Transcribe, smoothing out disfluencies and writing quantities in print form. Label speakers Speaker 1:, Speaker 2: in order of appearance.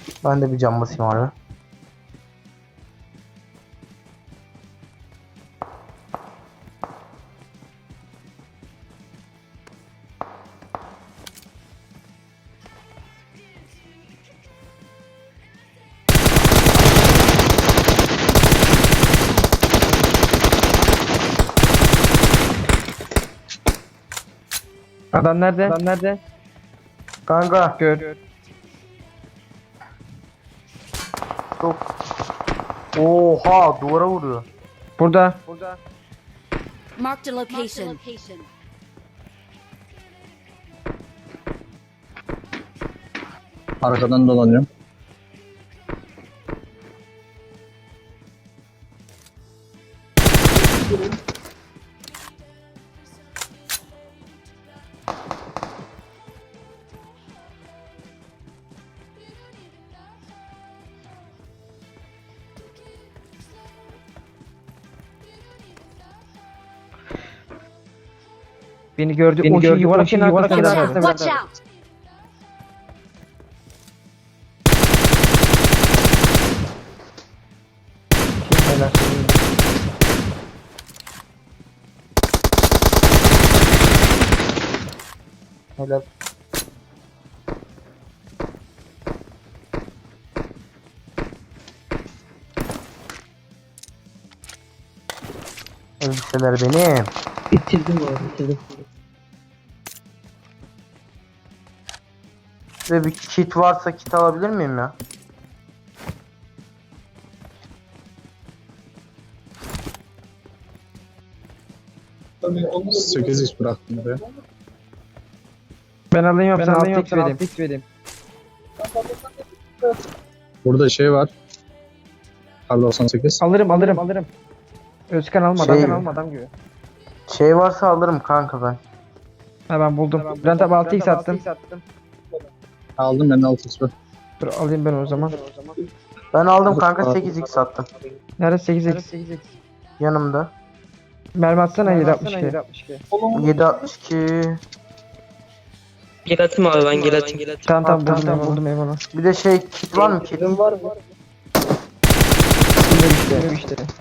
Speaker 1: Ben de bir cam basayım abi.
Speaker 2: Adam nerede? Adam nerede?
Speaker 1: Kanka
Speaker 2: Gör.
Speaker 1: çok. Oha, duvara vuruyor.
Speaker 2: Burada.
Speaker 3: Marked a location.
Speaker 4: Arkadan dolanıyorum.
Speaker 2: Beni gördü. O şey yuvarlak arkasında.
Speaker 3: Watch out!
Speaker 1: Helal. Elbiseler benim.
Speaker 2: Bitirdim bu arada. Bitirdim.
Speaker 1: Ve bir kit varsa kit alabilir miyim ya?
Speaker 4: Sekiz x bıraktım buraya.
Speaker 2: Ben alayım yoksa 6x vereyim.
Speaker 4: Burada şey var. Kar 98.
Speaker 2: Alırım. Özkan almadan
Speaker 1: Şey-
Speaker 2: almadan gibi.
Speaker 1: Şey varsa alırım kanka ben.
Speaker 2: Ha ben buldum. Ben tabi 6x attım.
Speaker 4: Aldım ben de 6x var.
Speaker 2: Dur alayım ben o zaman.
Speaker 1: Ben aldım kanka, 8x attım.
Speaker 2: Nerede 8x?
Speaker 1: Yanımda.
Speaker 2: Mermi atsana 762.
Speaker 1: 762.
Speaker 5: Gel atayım abi, ben gel atayım.
Speaker 2: Tamam
Speaker 1: Tamam,
Speaker 2: buldum eyvallah.
Speaker 1: Bir de şey kit var mı kit?
Speaker 2: Var. Işte.